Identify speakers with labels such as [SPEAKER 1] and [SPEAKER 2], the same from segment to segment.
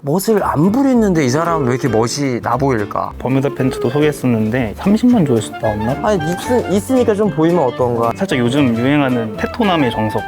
[SPEAKER 1] 멋을 안 부리는데 이 사람은 왜 이렇게 멋이 나 보일까?
[SPEAKER 2] 버뮤다 팬츠도 소개했었는데 30만 조회수 나왔나?
[SPEAKER 1] 아니 있으니까 좀 보이면 어떤가?
[SPEAKER 2] 살짝 요즘 유행하는 테토남의 정석.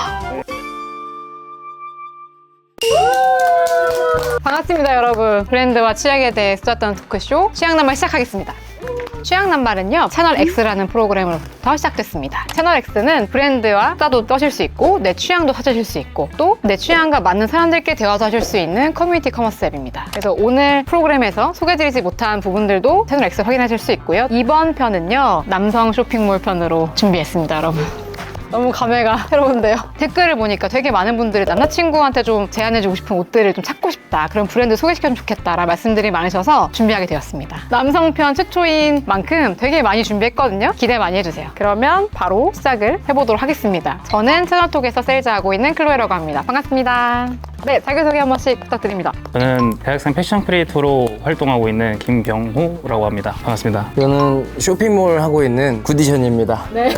[SPEAKER 3] 반갑습니다, 여러분. 브랜드와 취향에 대해 수다떠는 토크쇼 취향남발 시작하겠습니다. 취향남발은요, 채널 X라는 프로그램으로부터 시작됐습니다. 채널 X는 브랜드와 수다도 떠실 수 있고 내 취향도 찾으실 수 있고 또 내 취향과 맞는 사람들께 대화도 하실 수 있는 커뮤니티 커머스 앱입니다. 그래서 오늘 프로그램에서 소개드리지 못한 부분들도 채널 X 확인하실 수 있고요. 이번 편은요, 남성 쇼핑몰 편으로 준비했습니다, 여러분. 너무 감회가 새로운데요. 댓글을 보니까 되게 많은 분들이 남자친구한테 좀 제안해주고 싶은 옷들을 좀 찾고 싶다, 그런 브랜드 소개시켜주면 좋겠다라는 말씀들이 많으셔서 준비하게 되었습니다. 남성편 최초인 만큼 되게 많이 준비했거든요. 기대 많이 해주세요. 그러면 바로 시작을 해보도록 하겠습니다. 저는 채널톡에서 세일즈하고 있는 클로에라고 합니다. 반갑습니다. 네, 자기소개 한 번씩 부탁드립니다.
[SPEAKER 2] 저는 대학생 패션 크리에이터로 활동하고 있는 김병호라고 합니다. 반갑습니다.
[SPEAKER 1] 저는 쇼핑몰 하고 있는 구디션입니다.
[SPEAKER 3] 네,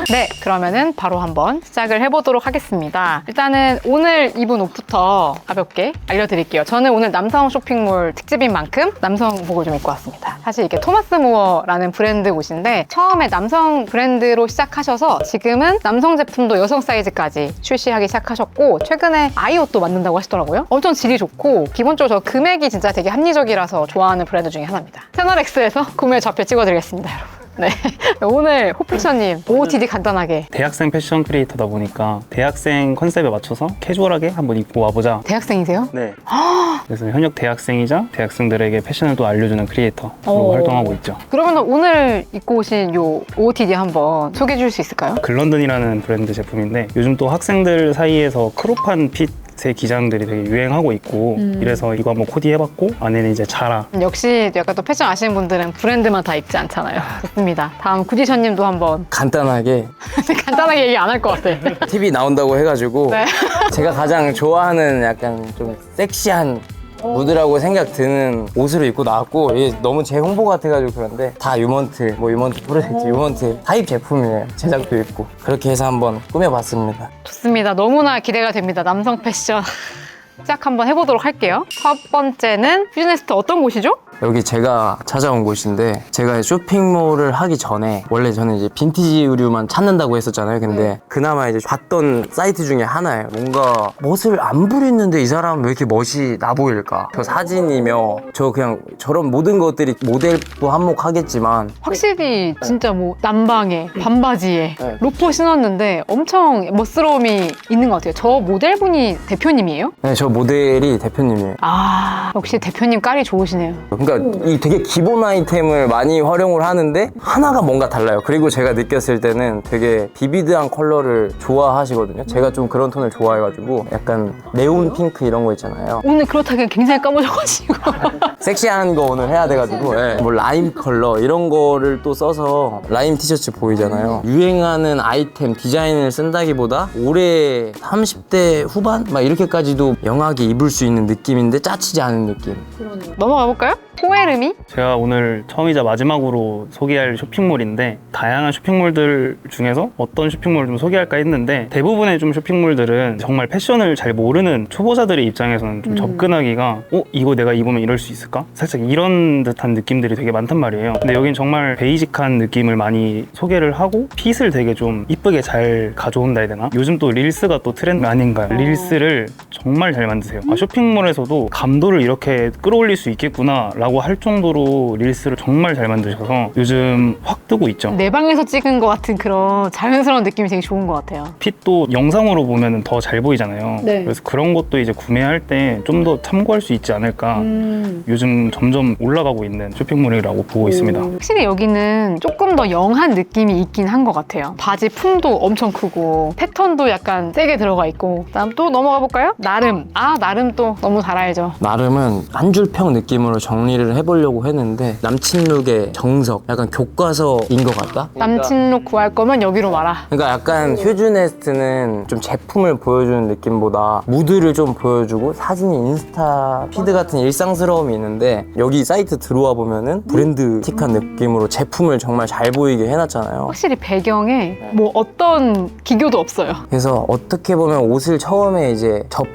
[SPEAKER 3] 그러면은 바로 한번 시작을 해보도록 하겠습니다. 일단은 오늘 입은 옷부터 가볍게 알려드릴게요. 저는 오늘 남성 쇼핑몰 특집인 만큼 남성복을 좀 입고 왔습니다. 사실 이게 토마스 무어라는 브랜드 옷인데 처음에 남성 브랜드로 시작하셔서 지금은 남성 제품도 여성 사이즈까지 출시하기 시작하셨고 최근에 아이 옷도 만든다고 하시더라고요. 엄청 질이 좋고 기본적으로 저 금액이 진짜 되게 합리적이라서 좋아하는 브랜드 중에 하나입니다. 채널X에서 구매 좌표 찍어드리겠습니다, 여러분. 네, 오늘 호픽션님 OOTD 간단하게.
[SPEAKER 2] 대학생 패션 크리에이터다 보니까 대학생 컨셉에 맞춰서 캐주얼하게 한번 입고 와보자.
[SPEAKER 3] 대학생이세요?
[SPEAKER 2] 네. 그래서 현역 대학생이자 대학생들에게 패션을 또 알려주는 크리에이터로 활동하고 있죠.
[SPEAKER 3] 그러면 오늘 입고 오신 요 OOTD 한번 소개해 줄 수 있을까요?
[SPEAKER 2] 글런든이라는 브랜드 제품인데 요즘 또 학생들 사이에서 크롭한 핏의 기장들이 되게 유행하고 있고 이래서 이거 한번 코디해봤고 안에는 이제 자라.
[SPEAKER 3] 역시 약간 또 패션 아시는 분들은 브랜드만 다 입지 않잖아요. 좋습니다. 다음 구디션님도 한번
[SPEAKER 1] 간단하게
[SPEAKER 3] 간단하게 얘기 안 할 것 같아.
[SPEAKER 1] TV 나온다고 해가지고
[SPEAKER 3] 네.
[SPEAKER 1] 제가 가장 좋아하는 약간 좀 섹시한 무드라고 생각 드는 옷으로 입고 나왔고 이게 너무 제 홍보 같아가지고 그런데 다 유먼트, 뭐 유먼트 프로젝트, 유먼트 타입 제품이에요. 제작도 있고 그렇게 해서 한번 꾸며봤습니다.
[SPEAKER 3] 좋습니다. 너무나 기대가 됩니다. 남성 패션. 시작 한번 해보도록 할게요. 첫 번째는 퓨즈네스트 어떤 곳이죠?
[SPEAKER 1] 여기 제가 찾아온 곳인데 제가 쇼핑몰을 하기 전에 원래 저는 이제 빈티지 의류만 찾는다고 했었잖아요. 근데 그나마 이제 봤던 사이트 중에 하나예요. 뭔가 멋을 안 부리는데 이 사람은 왜 이렇게 멋이 나 보일까? 저 사진이며 저 그냥 저런 모든 것들이 모델도 한몫하겠지만
[SPEAKER 3] 확실히 진짜 뭐 남방에 반바지에
[SPEAKER 1] 네.
[SPEAKER 3] 로퍼 신었는데 엄청 멋스러움이 있는 것 같아요. 저 모델분이 대표님이에요?
[SPEAKER 1] 네, 저 모델이 대표님이에요.
[SPEAKER 3] 아, 역시 대표님 깔이 좋으시네요.
[SPEAKER 1] 그러니까 이 되게 기본 아이템을 많이 활용을 하는데 하나가 뭔가 달라요. 그리고 제가 느꼈을 때는 되게 비비드한 컬러를 좋아하시거든요. 제가 좀 그런 톤을 좋아해가지고 약간 네온 핑크 이런 거 있잖아요.
[SPEAKER 3] 오늘 그렇다기엔 굉장히 까무져가지고.
[SPEAKER 1] 섹시한 거 오늘 해야 돼가지고 뭐 라임 컬러 이런 거를 또 써서 라임 티셔츠 보이잖아요. 유행하는 아이템 디자인을 쓴다기보다 올해 30대 후반? 막 이렇게까지도 영하게 입을 수 있는 느낌인데 짜치지 않은 느낌.
[SPEAKER 3] 넘어가 볼까요? 포에르미?
[SPEAKER 2] 제가 오늘 처음이자 마지막으로 소개할 쇼핑몰인데 다양한 쇼핑몰들 중에서 어떤 쇼핑몰을 좀 소개할까 했는데 대부분의 좀 쇼핑몰들은 정말 패션을 잘 모르는 초보자들의 입장에서는 좀 접근하기가 이거 내가 입으면 이럴 수 있을까? 살짝 이런 듯한 느낌들이 되게 많단 말이에요. 근데 여긴 정말 베이직한 느낌을 많이 소개를 하고 핏을 되게 좀 이쁘게 잘 가져온다 해야 되나? 요즘 또 릴스가 또 트렌드 아닌가요? 릴스를 정말 잘 만드세요. 쇼핑몰에서도 감도를 이렇게 끌어올릴 수 있겠구나 라고 할 정도로 릴스를 정말 잘 만드셔서 요즘 확 뜨고 있죠.
[SPEAKER 3] 내 방에서 찍은 것 같은 그런 자연스러운 느낌이 되게 좋은 것 같아요.
[SPEAKER 2] 핏도 영상으로 보면 더 잘 보이잖아요.
[SPEAKER 3] 네.
[SPEAKER 2] 그래서 그런 것도 이제 구매할 때 좀 더 참고할 수 있지 않을까. 요즘 점점 올라가고 있는 쇼핑몰이라고 보고 있습니다.
[SPEAKER 3] 확실히 여기는 조금 더 영한 느낌이 있긴 한 것 같아요. 바지 품도 엄청 크고 패턴도 약간 세게 들어가 있고. 다음 또 넘어가 볼까요? 나름. 나름 또 너무 잘 알죠.
[SPEAKER 1] 나름은 한 줄 평 느낌으로 정리를 해보려고 했는데 남친룩의 정석, 약간 교과서인 것 같다?
[SPEAKER 3] 남친룩 구할 거면 여기로 와라.
[SPEAKER 1] 그러니까 약간 휴즈네스트는 좀 제품을 보여주는 느낌보다 무드를 좀 보여주고 사진이 인스타 피드 같은 일상스러움이 있는데 여기 사이트 들어와 보면은 브랜드틱한 느낌으로 제품을 정말 잘 보이게 해놨잖아요.
[SPEAKER 3] 확실히 배경에 뭐 어떤 기교도 없어요.
[SPEAKER 1] 그래서 어떻게 보면 옷을 처음에 이제 접할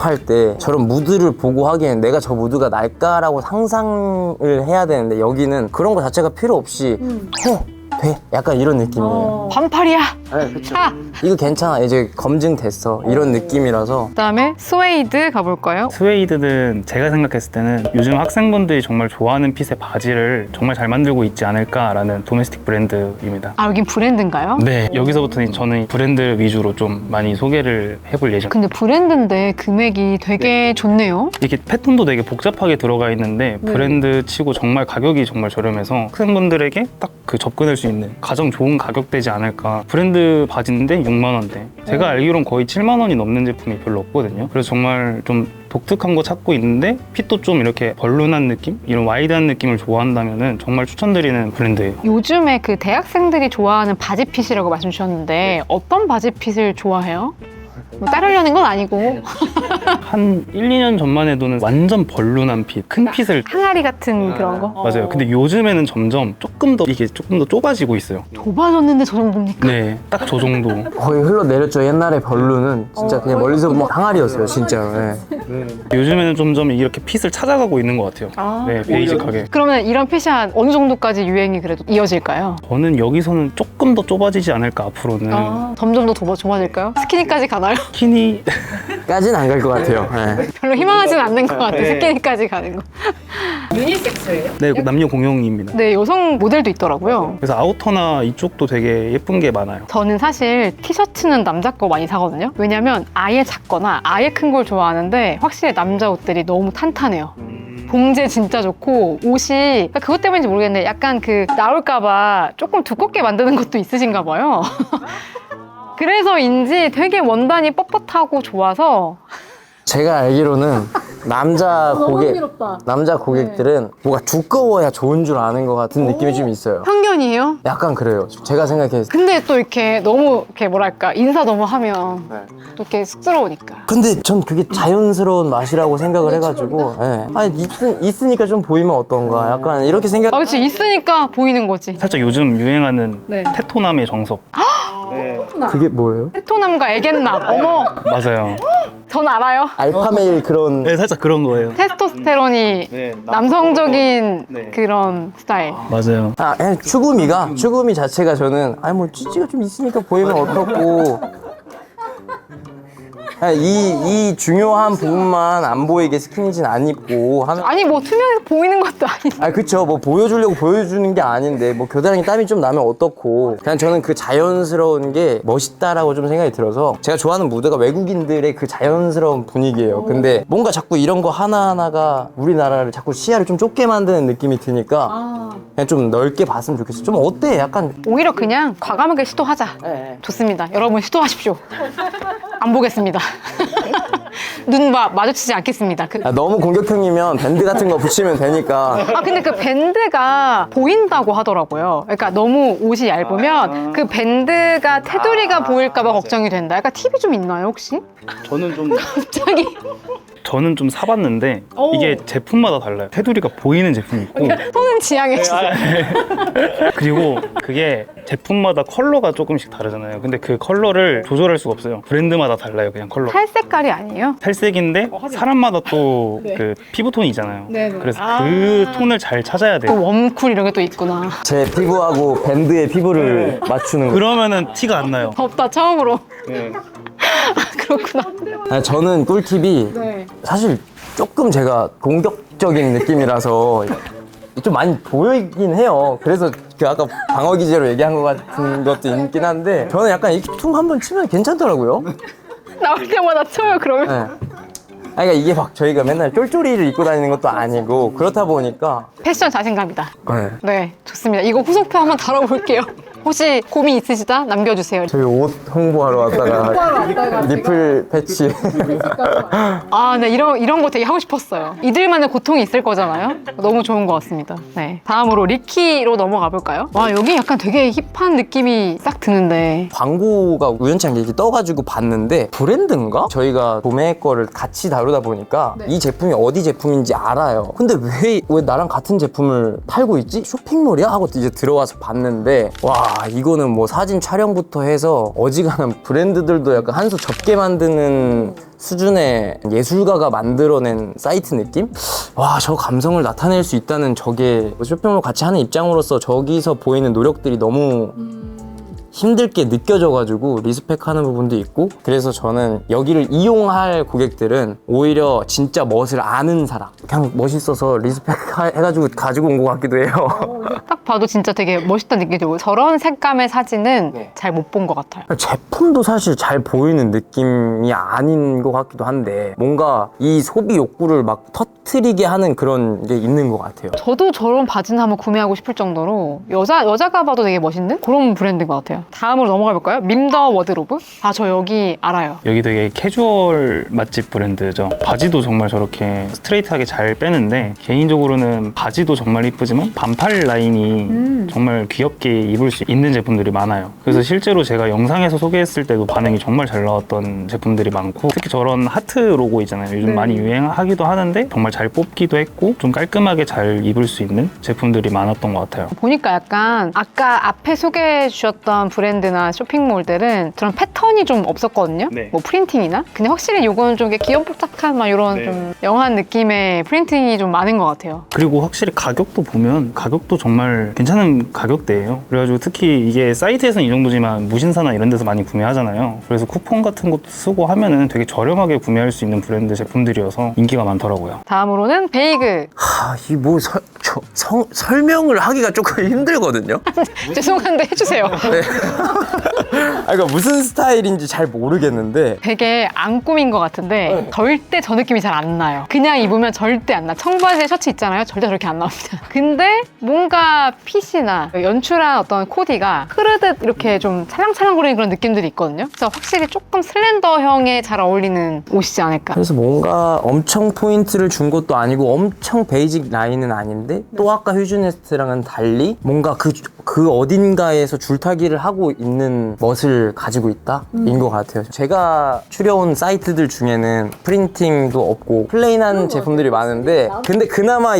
[SPEAKER 1] 작업할 때 저런 무드를 보고 하기엔 내가 저 무드가 날까라고 상상을 해야 되는데 여기는 그런 거 자체가 필요 없이 해! 돼! 약간 이런 느낌이에요.
[SPEAKER 3] 반팔이야.
[SPEAKER 1] 네, 그쵸.
[SPEAKER 3] 차.
[SPEAKER 1] 이거 괜찮아. 이제 검증됐어. 이런 느낌이라서.
[SPEAKER 3] 그다음에 스웨이드 가볼까요?
[SPEAKER 2] 스웨이드는 제가 생각했을 때는 요즘 학생분들이 정말 좋아하는 핏의 바지를 정말 잘 만들고 있지 않을까라는 도메스틱 브랜드입니다.
[SPEAKER 3] 아, 여긴 브랜드인가요?
[SPEAKER 2] 네, 여기서부터는 저는 브랜드 위주로 좀 많이 소개를 해볼 예정입니다.
[SPEAKER 3] 근데 브랜드인데 금액이 되게 좋네요.
[SPEAKER 2] 이게 패턴도 되게 복잡하게 들어가 있는데 브랜드 치고 정말 가격이 정말 저렴해서 학생분들에게 딱 그 접근할 수 있는 가장 좋은 가격대지 않을까. 브랜드 바지인데 6만 원대. 제가 알기로는 거의 7만 원이 넘는 제품이 별로 없거든요. 그래서 정말 좀 독특한 거 찾고 있는데 핏도 좀 이렇게 벌룬한 느낌? 이런 와이드한 느낌을 좋아한다면은 정말 추천드리는 브랜드예요.
[SPEAKER 3] 요즘에 그 대학생들이 좋아하는 바지핏이라고 말씀 주셨는데 어떤 바지핏을 좋아해요? 뭐 따르려는 건 아니고
[SPEAKER 2] 한 1, 2년 전만 해도는 완전 벌룬한 핏, 큰 핏을
[SPEAKER 3] 항아리 같은 그런 거?
[SPEAKER 2] 맞아요. 근데 요즘에는 점점 조금 더 좁아지고 있어요.
[SPEAKER 3] 좁아졌는데 저 정도입니까?
[SPEAKER 2] 네, 딱 저 정도.
[SPEAKER 1] 거의 흘러내렸죠. 옛날에 별로는 진짜 그냥 멀리서 보면 항아리였어요. 진짜로. 네.
[SPEAKER 2] 요즘에는 점점 이렇게 핏을 찾아가고 있는 것 같아요. 네, 베이직하게.
[SPEAKER 3] 그러면 이런 핏이 한 어느 정도까지 유행이 그래도 이어질까요?
[SPEAKER 2] 저는 여기서는 조금 더 좁아지지 않을까 앞으로는.
[SPEAKER 3] 점점 더 좁아질까요? 스키니까지 가나요?
[SPEAKER 2] 스키니
[SPEAKER 1] 까진 안 갈 것 같아요. 네.
[SPEAKER 3] 별로 희망하진 않는 것 같아요. 스키니까지 가는 거.
[SPEAKER 2] 네, 남녀 공용입니다.
[SPEAKER 3] 네, 여성 모델도 있더라고요.
[SPEAKER 2] 그래서 아우터나 이쪽도 되게 예쁜 게 많아요.
[SPEAKER 3] 저는 사실 티셔츠는 남자 거 많이 사거든요. 왜냐면 아예 작거나 아예 큰 걸 좋아하는데 확실히 남자 옷들이 너무 탄탄해요. 봉제 진짜 좋고 옷이 그것 때문인지 모르겠는데 약간 그 나올까봐 조금 두껍게 만드는 것도 있으신가 봐요. 그래서인지 되게 원단이 뻣뻣하고 좋아서
[SPEAKER 1] 제가 알기로는 남자 고객들은 뭐가 두꺼워야 좋은 줄 아는 것 같은 느낌이 좀 있어요.
[SPEAKER 3] 편견이에요?
[SPEAKER 1] 약간 그래요. 제가 생각했을 때.
[SPEAKER 3] 근데 또 이렇게 너무 이렇게 뭐랄까 인사 너무 하면 또 이렇게 쑥스러우니까.
[SPEAKER 1] 근데 전 그게 자연스러운 맛이라고 생각을 해가지고 네. 아니 있으니까 좀 보이면 어떤가 약간 이렇게 생각.
[SPEAKER 3] 아, 그치 있으니까 보이는 거지.
[SPEAKER 2] 살짝 요즘 유행하는
[SPEAKER 3] 네.
[SPEAKER 2] 테토남의 정석.
[SPEAKER 1] 그게 뭐예요?
[SPEAKER 3] 테토남과 애견남. 어머,
[SPEAKER 2] 맞아요.
[SPEAKER 3] 전 알아요.
[SPEAKER 1] 알파메일 그런.
[SPEAKER 2] 네, 살짝 그런 거예요.
[SPEAKER 3] 테스토스테론이 남성적인 그런 스타일.
[SPEAKER 2] 맞아요.
[SPEAKER 1] 추구미 자체가 저는 아니 뭐 찌찌가 좀 있으니까 보이면 어떻고. 이 중요한 부분만 안 보이게 스키니진 안 입고 하면.
[SPEAKER 3] 아니 뭐 투명해서 보이는 것도 아닌데.
[SPEAKER 1] 아 그쵸, 뭐 보여주려고 보여주는 게 아닌데 뭐 겨드랑이 땀이 좀 나면 어떻고. 그냥 저는 그 자연스러운 게 멋있다라고 좀 생각이 들어서 제가 좋아하는 무드가 외국인들의 그 자연스러운 분위기예요. 근데 뭔가 자꾸 이런 거 하나하나가 우리나라를 자꾸 시야를 좀 좁게 만드는 느낌이 드니까 그냥 좀 넓게 봤으면 좋겠어. 좀 어때? 약간
[SPEAKER 3] 오히려 그냥 과감하게 시도하자. 좋습니다. 여러분 시도하십시오. 안 보겠습니다. 눈 마주치지 않겠습니다.
[SPEAKER 1] 너무 공격형이면 밴드 같은 거 붙이면 되니까.
[SPEAKER 3] 아 근데 그 밴드가 보인다고 하더라고요. 그러니까 너무 옷이 얇으면 그 밴드가 테두리가 보일까봐 걱정이 된다. 약간 팁이 좀 있나요 혹시? 갑자기
[SPEAKER 2] 저는 좀 사봤는데 이게 제품마다 달라요. 테두리가 보이는 제품이 있고
[SPEAKER 3] 손은 지향해 주세요.
[SPEAKER 2] 그리고 그게 제품마다 컬러가 조금씩 다르잖아요. 근데 그 컬러를 조절할 수가 없어요. 브랜드마다 달라요. 그냥 컬러.
[SPEAKER 3] 살 색깔이 아니에요?
[SPEAKER 2] 탈색인데 사람마다 또 그 피부톤이 있잖아요. 그래서 그 톤을 잘 찾아야 돼요.
[SPEAKER 3] 또 웜쿨 이런 게 또 있구나.
[SPEAKER 1] 제 피부하고 밴드의 피부를 맞추는 거.
[SPEAKER 2] 그러면은 티가 안 나요.
[SPEAKER 3] 덥다 처음으로. 그렇구나.
[SPEAKER 1] 저는 꿀팁이 사실 조금 제가 공격적인 느낌이라서 좀 많이 보이긴 해요. 그래서 그 아까 방어 기제로 얘기한 것 같은 것도 있긴 한데 저는 약간 이 퉁 한번 치면 괜찮더라고요.
[SPEAKER 3] 나올 때마다 쳐요 그러면.
[SPEAKER 1] 네. 그러니까 이게 막 저희가 맨날 쫄쫄이를 입고 다니는 것도 아니고 그렇다 보니까
[SPEAKER 3] 패션 자신감이다.
[SPEAKER 1] 네.
[SPEAKER 3] 네, 좋습니다. 이거 후속표 한번 다뤄볼게요. 혹시 고민 있으시다? 남겨주세요.
[SPEAKER 1] 저희 옷 홍보하러 왔다가 니플 패치.
[SPEAKER 3] 아, 네, 이런 거 되게 하고 싶었어요. 이들만의 고통이 있을 거잖아요. 너무 좋은 것 같습니다. 네, 다음으로 리키로 넘어가 볼까요? 와, 여기 약간 되게 힙한 느낌이 싹 드는데.
[SPEAKER 1] 광고가 우연치 않게 이렇게 떠가지고 봤는데 브랜드인가? 저희가 도매 거를 같이 다루다 보니까 이 제품이 어디 제품인지 알아요. 근데 왜 나랑 같은 제품을 팔고 있지? 쇼핑몰이야? 하고 이제 들어와서 봤는데 와 이거는 뭐 사진 촬영부터 해서 어지간한 브랜드들도 약간 한 수 접게 만드는 수준의 예술가가 만들어낸 사이트 느낌? 와, 저 감성을 나타낼 수 있다는 저게 쇼핑몰 같이 하는 입장으로서 저기서 보이는 노력들이 너무 힘들게 느껴져가지고 리스펙하는 부분도 있고, 그래서 저는 여기를 이용할 고객들은 오히려 진짜 멋을 아는 사람, 그냥 멋있어서 리스펙 해가지고 가지고 온 것 같기도 해요.
[SPEAKER 3] 딱 봐도 진짜 되게 멋있다 느낌이 들고 저런 색감의 사진은 잘 못 본 것 같아요.
[SPEAKER 1] 제품도 사실 잘 보이는 느낌이 아닌 것 같기도 한데 뭔가 이 소비 욕구를 막 터트리게 하는 그런 게 있는 것 같아요.
[SPEAKER 3] 저도 저런 바지는 한번 구매하고 싶을 정도로 여자가 봐도 되게 멋있는 그런 브랜드인 것 같아요. 다음으로 넘어가 볼까요? 밈더 워드로브? 아, 저 여기 알아요.
[SPEAKER 2] 여기 되게 캐주얼 맛집 브랜드죠. 바지도 정말 저렇게 스트레이트하게 잘 빼는데 개인적으로는 바지도 정말 이쁘지만 반팔 라인이 정말 귀엽게 입을 수 있는 제품들이 많아요. 그래서 실제로 제가 영상에서 소개했을 때도 반응이 정말 잘 나왔던 제품들이 많고, 특히 저런 하트 로고 있잖아요. 요즘 많이 유행하기도 하는데 정말 잘 뽑기도 했고 좀 깔끔하게 잘 입을 수 있는 제품들이 많았던 것 같아요.
[SPEAKER 3] 보니까 약간 아까 앞에 소개해 주셨던 브랜드나 쇼핑몰들은 저런 패턴이 좀 없었거든요.
[SPEAKER 2] 네.
[SPEAKER 3] 뭐 프린팅이나. 근데 확실히 이거는 좀 귀염뽀짝한 막 이런
[SPEAKER 2] 네.
[SPEAKER 3] 좀 영한 느낌의 프린팅이 좀 많은 것 같아요.
[SPEAKER 2] 그리고 확실히 가격도 보면 가격도 정말 괜찮은 가격대예요. 그래가지고 특히 이게 사이트에서는 이 정도지만 무신사나 이런 데서 많이 구매하잖아요. 그래서 쿠폰 같은 것도 쓰고 하면은 되게 저렴하게 구매할 수 있는 브랜드 제품들이어서 인기가 많더라고요.
[SPEAKER 3] 다음으로는 베이그.
[SPEAKER 1] 이 뭐 설명을 하기가 조금 힘들거든요.
[SPEAKER 3] 죄송한데 해주세요.
[SPEAKER 1] 그러니까 무슨 스타일인지 잘 모르겠는데
[SPEAKER 3] 되게 안 꾸민 것 같은데 절대 저 느낌이 잘 안 나요. 그냥 입으면 절대 안 나. 청바지에 셔츠 있잖아요. 절대 저렇게 안 나옵니다. 근데 뭔가 핏이나 연출한 어떤 코디가 흐르듯 이렇게 좀 찰랑찰랑거리는 그런 느낌들이 있거든요. 그래서 확실히 조금 슬렌더형에 잘 어울리는 옷이지 않을까.
[SPEAKER 1] 그래서 뭔가 엄청 포인트를 준 것도 아니고 엄청 베이직 라인은 아닌데 또 아까 휴즈네스트랑은 달리 뭔가 그 어딘가에서 줄타기를 하고 있는 멋을 가지고 있다? 인 것 같아요. 제가 추려온 사이트들 중에는 프린팅도 없고 플레인한 제품들이 많은데 근데 그나마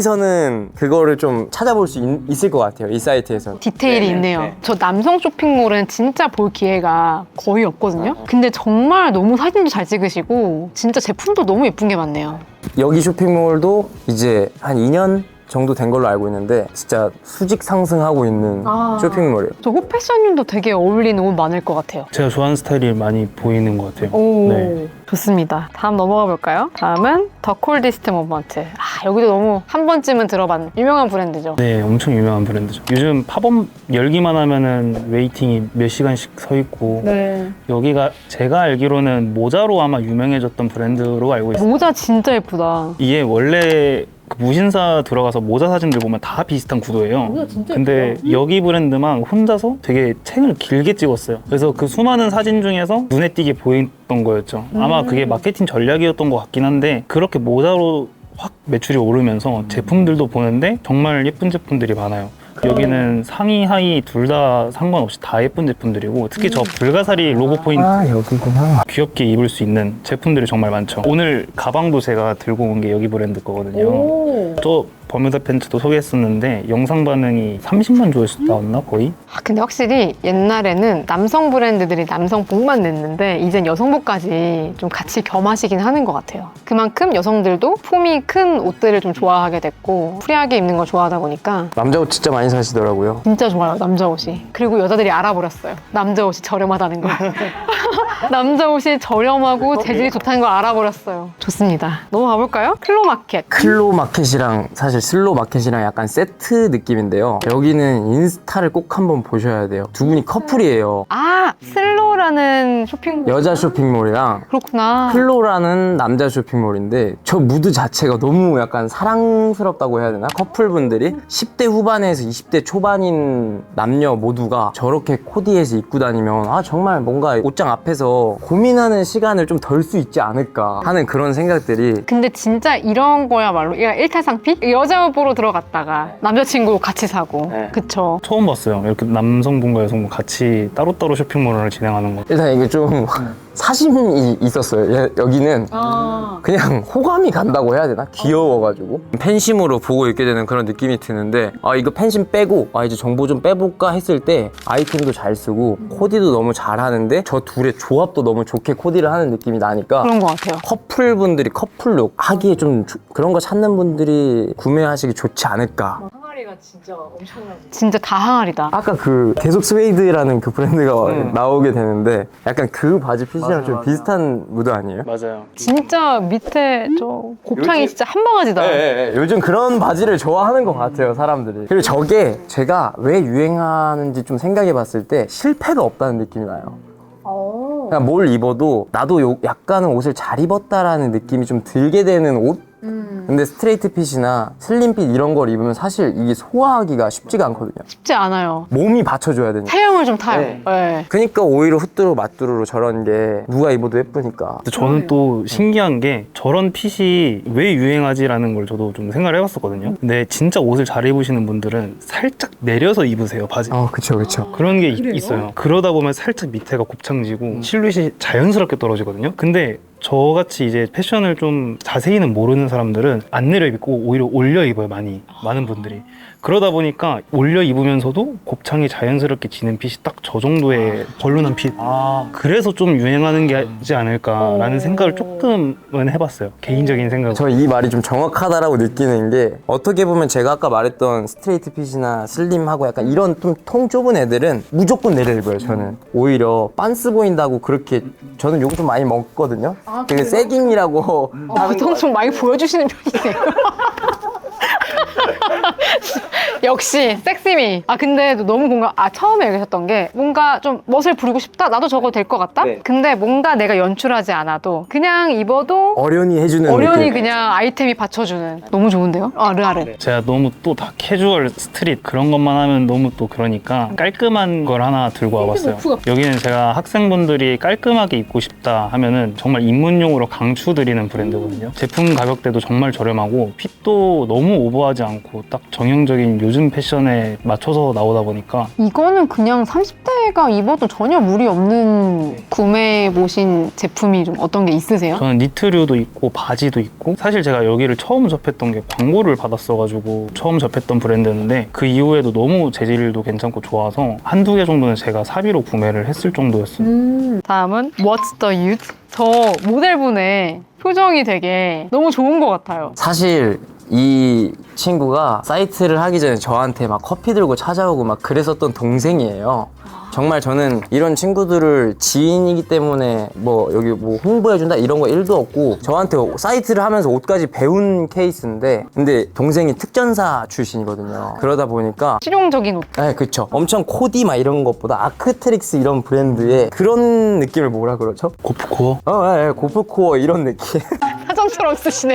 [SPEAKER 1] 여기서는 그거를 좀 찾아볼 수 있을 것 같아요. 이 사이트에서는.
[SPEAKER 3] 디테일이 있네요. 저 남성 쇼핑몰은 진짜 볼 기회가 거의 없거든요. 근데 정말 너무 사진도 잘 찍으시고 진짜 제품도 너무 예쁜 게 많네요.
[SPEAKER 1] 여기 쇼핑몰도 이제 한 2년 정도 된 걸로 알고 있는데 진짜 수직 상승하고 있는 쇼핑몰이에요.
[SPEAKER 3] 저 호패션님도 되게 어울리는 옷 많을 것 같아요.
[SPEAKER 2] 제가 좋아하는 스타일이 많이 보이는 것 같아요.
[SPEAKER 3] 오,
[SPEAKER 2] 네.
[SPEAKER 3] 좋습니다. 다음 넘어가 볼까요? 다음은 더 콜디스트 모먼트. 여기도 너무 한 번쯤은 들어봤는 유명한 브랜드죠.
[SPEAKER 2] 네, 엄청 유명한 브랜드죠. 요즘 팝업 열기만 하면은 웨이팅이 몇 시간씩 서 있고
[SPEAKER 3] 네.
[SPEAKER 2] 여기가 제가 알기로는 모자로 아마 유명해졌던 브랜드로 알고 있어요.
[SPEAKER 3] 모자 진짜 예쁘다.
[SPEAKER 2] 이게 원래 그 무신사 들어가서 모자 사진들 보면 다 비슷한 구도예요. 근데 여기 브랜드만 혼자서 되게 챙을 길게 찍었어요. 그래서 그 수많은 사진 중에서 눈에 띄게 보였던 거였죠. 아마 그게 마케팅 전략이었던 것 같긴 한데 그렇게 모자로 확 매출이 오르면서 제품들도 보는데 정말 예쁜 제품들이 많아요. 여기는 상의 하의 둘 다 상관없이 다 예쁜 제품들이고 특히 저 불가사리 로고 포인트
[SPEAKER 1] 여기구나.
[SPEAKER 2] 귀엽게 입을 수 있는 제품들이 정말 많죠. 오늘 가방도 제가 들고 온 게 여기 브랜드 거거든요. 저 버뮤다 팬츠도 소개했었는데 영상 반응이 30만 조회수 나왔나 거의?
[SPEAKER 3] 근데 확실히 옛날에는 남성 브랜드들이 남성복만 냈는데 이젠 여성복까지 좀 같이 겸하시긴 하는 것 같아요. 그만큼 여성들도 폼이 큰 옷들을 좀 좋아하게 됐고 프리하게 입는 걸 좋아하다 보니까
[SPEAKER 1] 남자 옷 진짜 많이 사시더라고요.
[SPEAKER 3] 진짜 좋아요, 남자 옷이. 그리고 여자들이 알아버렸어요. 남자 옷이 저렴하다는 걸. 남자 옷이 저렴하고 재질이 좋다는 걸 알아버렸어요. 좋습니다. 넘어가 볼까요? 클로마켓.
[SPEAKER 1] 클로마켓이랑 사실 슬로마켓이랑 약간 세트 느낌인데요. 여기는 인스타를 꼭 한번 보셔야 돼요. 두 분이 커플이에요.
[SPEAKER 3] 슬로라는 쇼핑몰.
[SPEAKER 1] 여자 쇼핑몰이랑
[SPEAKER 3] 그렇구나.
[SPEAKER 1] 클로라는 남자 쇼핑몰인데 저 무드 자체가 너무 약간 사랑스럽다고 해야 되나? 커플분들이 10대 후반에서 20대 초반인 남녀 모두가 저렇게 코디해서 입고 다니면 정말 뭔가 옷장 앞에서 고민하는 시간을 좀 덜 수 있지 않을까 하는 그런 생각들이.
[SPEAKER 3] 근데 진짜 이런 거야말로 일타상피? 여자 옷 보러 들어갔다가 남자친구 같이 사고.
[SPEAKER 1] 네.
[SPEAKER 3] 그쵸.
[SPEAKER 2] 처음 봤어요. 이렇게 남성분과 여성분 같이 따로따로 쇼핑몰을 진행하는 거.
[SPEAKER 1] 일단 이게 좀 사심이 있었어요. 여기는 그냥 호감이 간다고 해야 되나? 귀여워가지고 팬심으로 보고 있게 되는 그런 느낌이 드는데, 아 이거 팬심 빼고 이제 정보 좀 빼볼까 했을 때 아이템도 잘 쓰고 코디도 너무 잘하는데 저 둘의 조합도 너무 좋게 코디를 하는 느낌이 나니까
[SPEAKER 3] 그런 것 같아요.
[SPEAKER 1] 커플분들이 커플룩 하기에 좀 그런 거 찾는 분들이 구매하시기 좋지 않을까.
[SPEAKER 4] 항아리가 진짜 엄청나지.
[SPEAKER 3] 진짜 다 항아리다.
[SPEAKER 1] 아까 그 계속 스웨이드라는 그 브랜드가 나오게 되는데 약간 그 바지 핏이랑 좀 비슷한 무드 아니에요?
[SPEAKER 2] 맞아요.
[SPEAKER 3] 진짜 밑에 저 곱창이
[SPEAKER 1] 요즘-
[SPEAKER 3] 진짜 한 바가지다.
[SPEAKER 1] 네, 요즘 그런 바지를 좋아하는 것 같아요, 사람들이. 그리고 저게 제가 왜 유행하는지 좀 생각해 봤을 때 실패가 없다는 느낌이 나요. 그냥 뭘 입어도 나도 약간은 옷을 잘 입었다라는 느낌이 좀 들게 되는 옷? 근데 스트레이트 핏이나 슬림 핏 이런 걸 입으면 사실 이게 소화하기가 쉽지가 않거든요.
[SPEAKER 3] 쉽지 않아요.
[SPEAKER 1] 몸이 받쳐줘야 되니까.
[SPEAKER 3] 체형을 좀 타요.
[SPEAKER 1] 네.
[SPEAKER 3] 네.
[SPEAKER 1] 그러니까 오히려 후뚜루 마뚜루로 저런 게 누가 입어도 예쁘니까.
[SPEAKER 2] 근데 저는 또 신기한 게 저런 핏이 왜 유행하지라는 걸 저도 좀 생각을 해봤었거든요. 근데 진짜 옷을 잘 입으시는 분들은 살짝 내려서 입으세요, 바지.
[SPEAKER 1] 그쵸, 그쵸.
[SPEAKER 2] 그런 게 있어요. 그러다 보면 살짝 밑에가 곱창지고 실루엣이 자연스럽게 떨어지거든요. 근데 저같이 이제 패션을 좀 자세히는 모르는 사람들은 안 내려 입고 오히려 올려 입어요, 많은 분들이. 그러다 보니까 올려 입으면서도 곱창이 자연스럽게 지는 핏이 딱 저 정도의 벌룬한 핏. 그래서 좀 유행하는 게 있지 않을까라는 생각을 조금은 해봤어요. 개인적인 생각.
[SPEAKER 1] 저 이 말이 좀 정확하다라고 느끼는 게, 어떻게 보면 제가 아까 말했던 스트레이트 핏이나 슬림하고 약간 이런 좀 통 좁은 애들은 무조건 내려 입어요. 저는 오히려 빤스 보인다고 그렇게, 저는 요거 좀 많이 먹거든요. 근데 세깅이라고
[SPEAKER 3] 보통 좀 많이 보여주시는 편이세요. 역시 섹시미. 근데 너무 공감. 처음에 얘기하셨던 게 뭔가 좀 멋을 부리고 싶다. 나도 저거 될 것 같다.
[SPEAKER 1] 네.
[SPEAKER 3] 근데 뭔가 내가 연출하지 않아도 그냥 입어도
[SPEAKER 1] 어련히 해주는
[SPEAKER 3] 어련히
[SPEAKER 1] 느낌.
[SPEAKER 3] 그냥 아이템이 받쳐주는. 너무 좋은데요? 르아르.
[SPEAKER 2] 제가 너무 또 다 캐주얼 스트릿 그런 것만 하면 너무 또 그러니까 깔끔한 걸 하나 들고 와봤어요. 여기는 제가 학생분들이 깔끔하게 입고 싶다 하면은 정말 입문용으로 강추드리는 브랜드거든요. 제품 가격대도 정말 저렴하고 핏도 너무 오버하지 않고 딱 정형적인 요즘 패션에 맞춰서 나오다 보니까
[SPEAKER 3] 이거는 그냥 30대가 입어도 전혀 무리 없는 구매해 보신 제품이 좀 어떤 게 있으세요?
[SPEAKER 2] 저는 니트류도 있고 바지도 있고, 사실 제가 여기를 처음 접했던 게 광고를 받았어가지고 처음 접했던 브랜드였는데 그 이후에도 너무 재질도 괜찮고 좋아서 한두 개 정도는 제가 사비로 구매를 했을 정도였어요.
[SPEAKER 3] 다음은 What's the Youth? 저 모델분의 표정이 되게 너무 좋은 것 같아요.
[SPEAKER 1] 사실 이 친구가 사이트를 하기 전에 저한테 막 커피 들고 찾아오고 막 그랬었던 동생이에요. 정말 저는 이런 친구들을 지인이기 때문에 뭐 여기 뭐 홍보해준다 이런 거 1도 없고, 저한테 사이트를 하면서 옷까지 배운 케이스인데, 근데 동생이 특전사 출신이거든요. 그러다 보니까
[SPEAKER 3] 실용적인 옷.
[SPEAKER 1] 네, 그쵸. 엄청 코디 막 이런 것보다 아크트릭스 이런 브랜드의 그런 느낌을 뭐라 그러죠?
[SPEAKER 2] 고프코어?
[SPEAKER 1] 네, 고프코어 이런 느낌.
[SPEAKER 3] 사전처럼 쓰시네.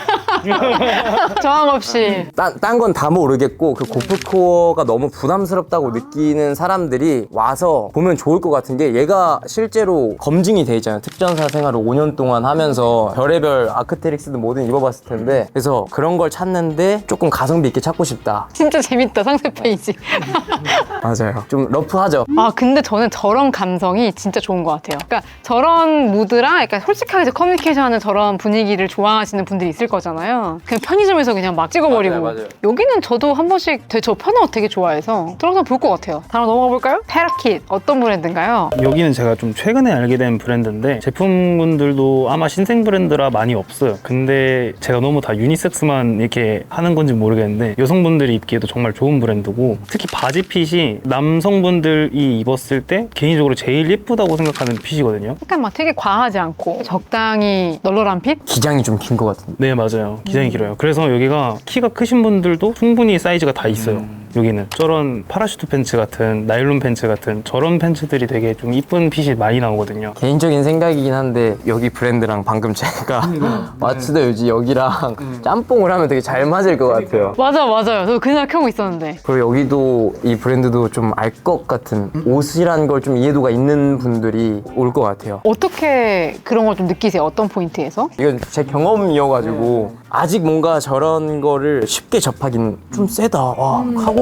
[SPEAKER 3] 저항 없이.
[SPEAKER 1] 딴 건 다 모르겠고 그 고프코어가 너무 부담스럽다고 느끼는 사람들이 와서 보면 좋을 것 같은 게, 얘가 실제로 검증이 돼 있잖아요. 특전사 생활을 5년 동안 하면서 별의별 아크테릭스든 뭐든 입어봤을 텐데, 그래서 그런 걸 찾는데 조금 가성비 있게 찾고 싶다.
[SPEAKER 3] 진짜 재밌다, 상세 페이지.
[SPEAKER 1] 맞아요. 좀 러프하죠.
[SPEAKER 3] 근데 저는 저런 감성이 진짜 좋은 것 같아요. 그러니까 저런 무드랑 약간 솔직하게 커뮤니케이션하는 저런 분위기를 좋아하시는 분들이 있을 거잖아요. 그냥 편의점에서 그냥 막 찍어버리고.
[SPEAKER 1] 맞아요.
[SPEAKER 3] 여기는 저도 한 번씩 저 편한 옷 되게 좋아해서 들어가서 볼 것 같아요. 다음 넘어가 볼까요? 페라킷. 어떤 브랜드인가요?
[SPEAKER 2] 여기는 제가 좀 최근에 알게 된 브랜드인데, 제품군들도 아마 신생 브랜드라 많이 없어요. 근데 제가 너무 다 유니섹스만 이렇게 하는 건지 모르겠는데 여성분들이 입기에도 정말 좋은 브랜드고, 특히 바지 핏이 남성분들이 입었을 때 개인적으로 제일 예쁘다고 생각하는 핏이거든요.
[SPEAKER 3] 약간 막 되게 과하지 않고 적당히 널널한 핏?
[SPEAKER 1] 기장이 좀 긴 것 같은데.
[SPEAKER 2] 네, 맞아요. 기장이 길어요. 그래서 여기가 키가 크신 분들도 충분히 사이즈가 다 있어요. 여기는 저런 파라슈트 팬츠 같은, 나일론 팬츠 같은 저런 팬츠들이 되게 좀 이쁜 핏이 많이 나오거든요.
[SPEAKER 1] 개인적인 생각이긴 한데 여기 브랜드랑 방금 제가 마츠다 요지 여기랑 짬뽕을 하면 되게 잘 맞을 것 같아요.
[SPEAKER 3] 맞아요. 저 그날 켜고 있었는데.
[SPEAKER 1] 그리고 여기도 이 브랜드도 좀 알 것 같은, 옷이란 걸 좀 이해도가 있는 분들이 올 것 같아요.
[SPEAKER 3] 어떻게 그런 걸 좀 느끼세요? 어떤 포인트에서?
[SPEAKER 1] 이건 제 경험이어가지고 아직 뭔가 저런 거를 쉽게 접하긴 좀 세다. 와, 카고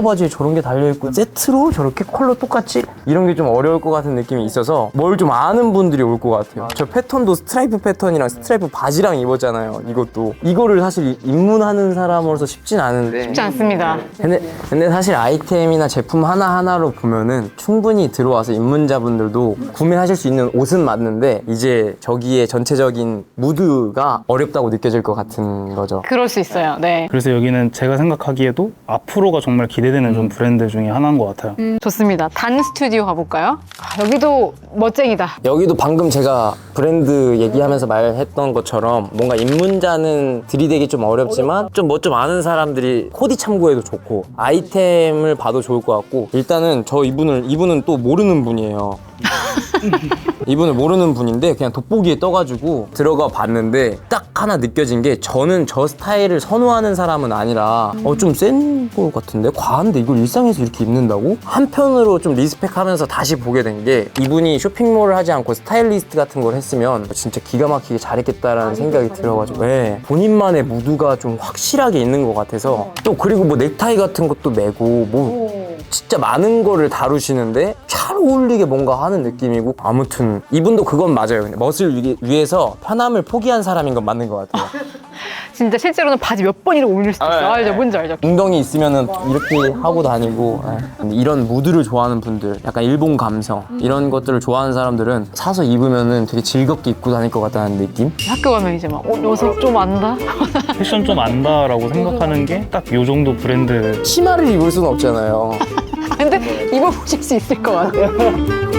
[SPEAKER 1] 바지에 저런 게 달려있고 세트로 저렇게 컬러 똑같이? 이런 게 좀 어려울 것 같은 느낌이 있어서 뭘 좀 아는 분들이 올 것 같아요. 저 패턴도 스트라이프 패턴이랑 스트라이프 바지랑 입었잖아요. 이것도 이거를 사실 입문하는 사람으로서 쉽진 않은데
[SPEAKER 3] 쉽지 않습니다.
[SPEAKER 1] 근데 사실 아이템이나 제품 하나하나로 보면은 충분히 들어와서 입문자분들도 구매하실 수 있는 옷은 맞는데 이제 저기에 전체적인 무드가 어렵다고 느껴질 것 같은 거죠.
[SPEAKER 3] 그럴 수 있어요. 네.
[SPEAKER 2] 그래서 여기는 제가 생각하기에도 앞으로가 정말 기대되는 좀 브랜드 중에 하나인 것 같아요.
[SPEAKER 3] 좋습니다. 단 스튜디오 가볼까요? 아, 여기도 멋쟁이다.
[SPEAKER 1] 여기도 방금 제가 브랜드 얘기하면서 말했던 것처럼 뭔가 입문자는 들이대기 좀 어렵지만 좀 뭐 좀 아는 사람들이 코디 참고해도 좋고 아이템을 봐도 좋을 것 같고 일단은 이분은 또 모르는 분이에요. 이분을 모르는 분인데 그냥 돋보기에 떠가지고 들어가 봤는데 딱 하나 느껴진 게 저는 저 스타일을 선호하는 사람은 아니라 좀 센 거 같은데 과한데 이걸 일상에서 이렇게 입는다고? 한편으로 좀 리스펙하면서 다시 보게 된 게 이분이 쇼핑몰을 하지 않고 스타일리스트 같은 걸 했으면 진짜 기가 막히게 잘했겠다라는 생각이 들어가지고 네. 본인만의 무드가 좀 확실하게 있는 것 같아서 또 그리고 뭐 넥타이 같은 것도 매고 뭐 진짜 많은 거를 다루시는데 잘 어울리게 뭔가 하는 느낌이고 아무튼 이분도 그건 맞아요. 근데 멋을 위해서 편함을 포기한 사람인 건 맞는 것 같아요.
[SPEAKER 3] 진짜 실제로는 바지 몇 번이나 올릴 수도 있어요. 알죠? 뭔지 알죠?
[SPEAKER 1] 웅덩이 있으면은 이렇게 하고 다니고 근데 이런 무드를 좋아하는 분들 약간 일본 감성 이런 것들을 좋아하는 사람들은 사서 입으면은 되게 즐겁게 입고 다닐 것 같다는 느낌?
[SPEAKER 3] 학교 가면 이제 막 녀석 좀 안다?
[SPEAKER 2] 패션 좀 안다라고 생각하는 게 딱 요 정도 브랜드.
[SPEAKER 1] 치마를 입을 수는 없잖아요.
[SPEAKER 3] 근데 입어보실 수 있을 것 같아요.